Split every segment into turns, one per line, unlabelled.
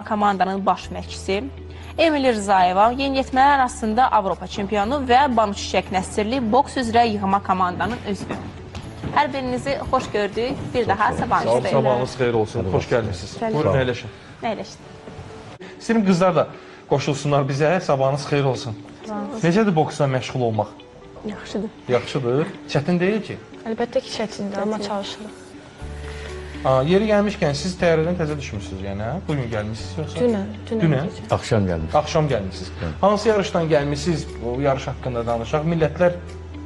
komandanın baş məşqçisi. Emil Rzayeva yeniyetmələr arasında Avropa çempionu və Banu Çiçək Nəsirli boks üzrə yığma komandanın üzvü. Hər birinizi xoş gördük. Bir daha sabahınız xeyir.
Sabahınız xeyir olsun. Xoş gəlmişsiniz. Buyurun, əyləşin.
Əyləşin.
İstəyirəm qızlar da qoşulsunlar bizə. Sabahınız xeyir olsun. Necədir boksla məşğul olmaq?
Yaxşıdır.
Yaxşıdır. Çətin deyil ki.
Əlbəttə ki, çətindir, amma çalışırıq.
Yeri gəlmişkən siz təyyarədən təzə düşmüsünüz yəni, hə? Bugün gəlmişsiniz yoxsa? Dünən.
Axşam gəlmiş.
Axşam gəlmişsiniz. Hansı yarışdan gəlmişsiniz? O yarış haqqında danışaq. Millətlər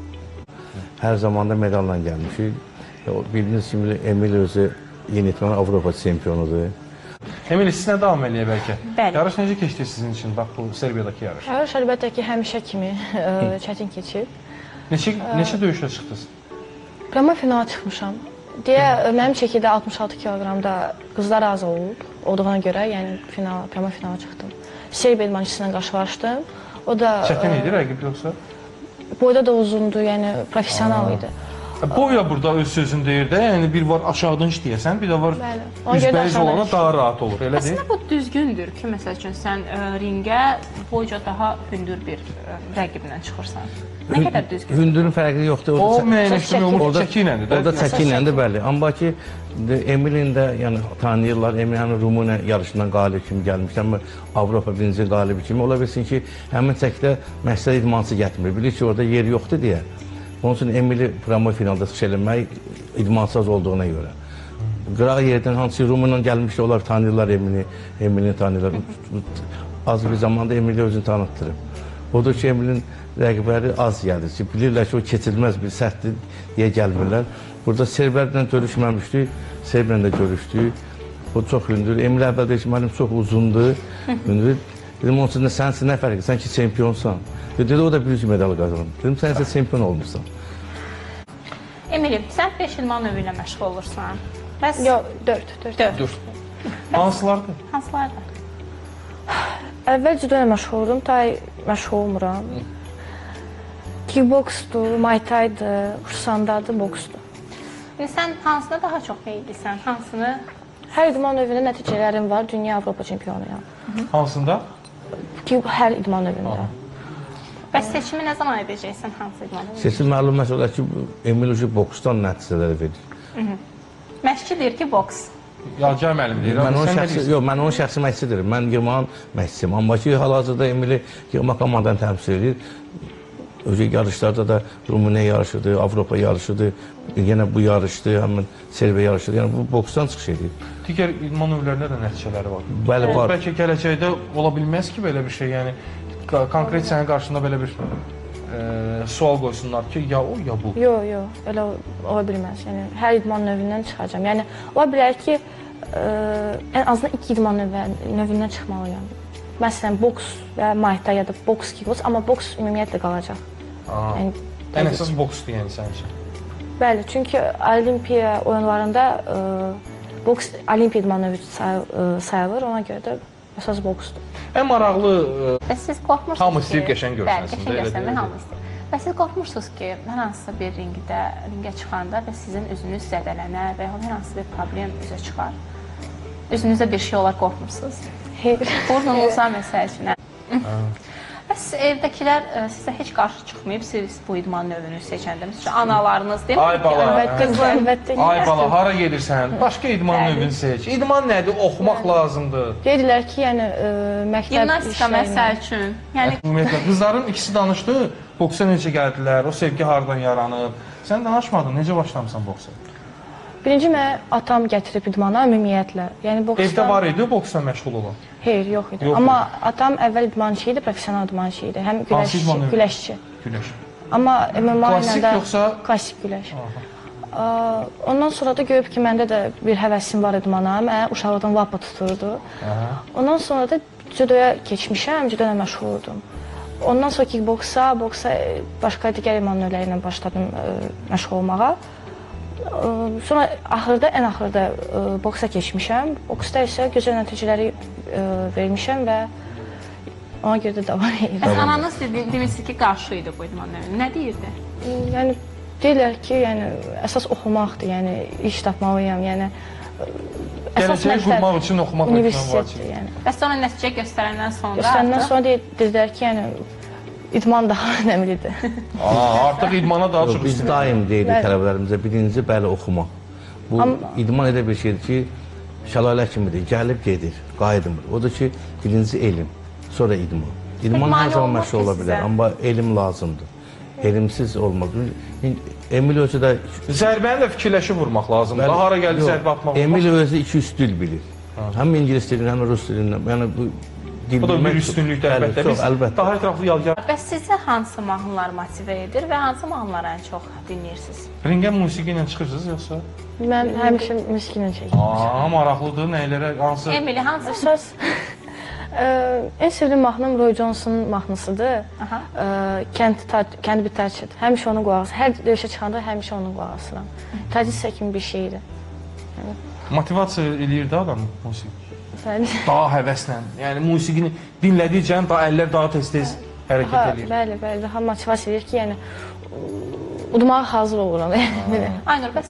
Hər zamanda medalla gəlmişik. Bildiyiniz kimi Emil özü yeniyetmə Avropa çempionudur.
Emil, sizinlə davam eləyə bəlkə.
Bəli.
Yarış necə keçdi sizin üçün? Bax, bu Serbiyadakı yarış.
Yarış əlbəttə ki, həmişə kimi çətin keçib.
Neçə döyüşlə çıxdınız?
Prama finala çıxmışam. Deyə, mənim çəkidə 66 kiloqramda qızlar az olduğuna görə, yəni prama finala çıxdım. Serbiya idmançısıyla qarşılaşdım. O da
Çətin idi rəqib yoxsa?
boyda da uzundu, yəni professional idi.
Boya burada öz sözünü deyir də, yəni bir var aşağıdan işləyəsən, bir də var üzbəyiz olana daha rahat olur, elə deyil?
Əslində bu düzgündür ki, məsəl üçün sən ringə boyca daha hündür bir rəqiblə çıxırsan. Nə qədər düzgün?
Hündürün fərqi yoxdur.
O müəyyənləşdirmə olmuş çəki iləndir də.
O da çəki iləndir, bəli. Amma ki, Emilin də yəni, tanıyırlar. Emil həmin Rumıniya yarışından qalib kimi gəlmişdir. Amma Avropa birinci qalibi kimi. Ola bilsin ki, həmin çəkidə məqsəd idmançı gətirmir. Bilir ki, orada yer yoxdur deyə. Onun üçün Emili promo finalda çıxış eləmək idmançı az olduğuna görə. Qıraq yerdən hansı Rumıniyadan gəlmişdir, onlar tanıyırlar Emili, Emilini tanıyırlar. Az bir zamanda Emili özünü tanıtdırıb. Odur ki, Emilin rəqibləri az gəlir ki, bilirlər ki, o keçilməz bir səhvdir deyə gəlmirlər. Burada Serblərlə görüşməmişdik, Serblə də görüşdük. O çox hündür. Emil əvvəl deyir ki, mənim çox uzundur, hündür. Dedim, onun üçün də sən nə fərqi, sən ki, çempionsan. Dedi, o da bir medal qazanır. Dedim, sən isə çempion olmuşsan.
Emilim, sən 5 idman növü ilə məşğul olursan. Bəs
Yox, 4.
Hansılardır?
hansılardır?
Əvvəl judo ilə məşğul oldum, məşğul olmuram. Kickboksdur, Muay Thai'dır, Kursandadır, boksdur.
İndi sən hansına daha çox meyillisən? Hansını?
Hər idman növündə nəticələrim var, dünya Avropa çempionuyam.
Hansında?
Hər idman növündə.
Bəs seçimi nə zaman edəcəksən hansı idman növü?
Seçim məlum məsələ ki, Emil ucu boksdan nəticələri verir.
Məşqçi deyir ki, boks.
Yalçın müəllim deyir.
Mən onun şəxsi məşqçidir. Mən yığmağın məşqçisiyim. Amma ki, hal-hazırda Emili yığma komandanı təmsil edir. Özü yarışlarda da Rumıniya yarışıdır, Avropa yarışıdır, yenə bu yarışdır, həmin Serbiya yarışıdır. Yəni bu boksdan çıxış edir.
Digər idman növlərində də nəticələri var.
Bəli, var.
Bəlkə gələcəkdə ola bilməz ki, belə bir şey, yəni konkret sənin qarşında belə bir sual qoysunlar ki, ya o, ya bu.
Yox, elə ola bilməz. Yəni, hər idman növündən çıxacam. Yəni, ola bilər ki, ən azından 2 idman növündən çıxmalıyam. Məsələn, boks və Muay Thai ya da boks, kickboks, amma boks ümumiyyətlə qalacaq.
Yəni, ən əsas boksdur yəni sənin üçün.
Bəli, çünki Olimpiya oyunlarında boks Olimpiya idman növü sayılır, ona görə də əsas boksdur.
Ən maraqlı
Bəs siz qorxmursunuz ki...
Hamı istəyir qəşəng görsənsin.
Bəli, qəşəng görsənmək hamı istəyir. Bəs siz qorxmursunuz ki, hər hansısa bir ringə çıxanda və sizin üzünüz zədələnər və hər hansı bir problem üzə çıxar. Üzünüzdə bir şey olar, qorxmursunuz. Burnunuza məsəl üçün. Bəs evdəkilər sizə heç qarşı çıxmayıb, siz bu idman növünü seçəndə. Məsələn, analarınız deyil mi?
Ay bala,
Əlbəttə.
ay bala, hara gedirsən? Başqa idman növünü seç. İdman nədir? Oxumaq lazımdır.
Deyirlər ki, yəni məktəb
Gimnastika məsəl üçün. Yəni
Ümumiyyətlə, qızların ikisi danışdı, boksa necə gəldilər, o sevgi haradan yaranıb. Sən danışmadın, necə başlamısan boksa?
Birinci mənə atam gətirib idmana ümumiyyətlə. Yəni boksdan...
Evdə var idi boksla məşğul olan?
Hayır, yox idi. Amma atam əvvəl idmançı idi, professional idmançı idi. Həm güləşçi.
Güləş.
Amma MMA ilə
Klassik
də
yoxsa?
Klassik güləş. Ondan sonra da görüb ki, məndə də bir həvəsim var idmana. Mənə uşaqlıqdan lapa tuturdu. Ondan sonra da judoya keçmişəm, judo ilə məşğul oldum. Ondan sonra kickboksa, başqa digər idman növləri ilə başladım məşğul olmağa. Sonra ən axırda boksa keçmişəm. Boksda isə gözəl nəticələri vermişəm və ona görə də davam edirəm.
Bəs ananız demişsiniz ki, qarşı idi bu idman növünə. Nə deyirdi?
Yəni deyirlər ki, yəni əsas oxumaqdır, yəni iş tapmalıyam, yəni əsas
Gələcəyi qurmaq üçün oxumaq hökmən
universitetdir,
vacibdir.
yəni.
Bəs sonra nəticə göstərəndən sonra
Göstərəndən
artıq-
sonra dedilər ki, yəni idman daha önəmlidir.
Artıq idmana daha çox
Biz
üstünlük.
daim deyirik
Bəli.
tələbələrimizə, birinci bəli oxumaq. Bu idman elə bir şeydir ki, şəlalə kimidir, gəlib gedir, qayıtmır. Odur ki, birinci elm, sonra idman. İdman
mane
hər zaman
olmaz
məşq
ki
ola
sizə?
bilər, amma elm lazımdır. Elmsiz olmaz. Emil özü də
Zərbəni də fikirləşib vurmaq lazımdır.
Bəli,
Hara gəldi
yox,
zərbə atmaq
Emil
olmaz.
özü 2-3 dil bilir. Həm ingilis dilini, həm rus dilindən. Yəni bu dil
Bu da bir
bilmək
üstünlükdür
Bəli,
əlbəttə.
çox,
Biz
əlbəttə.
daha ətraflı yadigar.
Bəs sizə hansı mahnılar motivə edir və hansı mahnıları ən çox dinləyirsiniz?
Ringə musiqi ilə çıxırsınız yoxsa?
Mən həmişə musiqini çəkirəm.
Maraqlıdır. Nəylərə, hansı?
Emily, hansı?
Əsas en sevdiyim mahnım Roy Johnson'un mahnısıdır.
Aha.
Kənd bir tərcid. Həmişə onun qulaq asıram. Hər döyüşə çıxanda həmişə onun qulaq asıram. Təcrid kimi bir şeydir.
Motivasiya eləyir də adamı musiqi.
Bəli.
Daha həvəslə. Yəni musiqini dinlədikcə daha əllər daha tez-tez hərəkət eləyir.
Bəli, bəli. Daha motivasiya edir ki, yəni udmağa hazır oluram. Yəni belə.
Aynur, bəs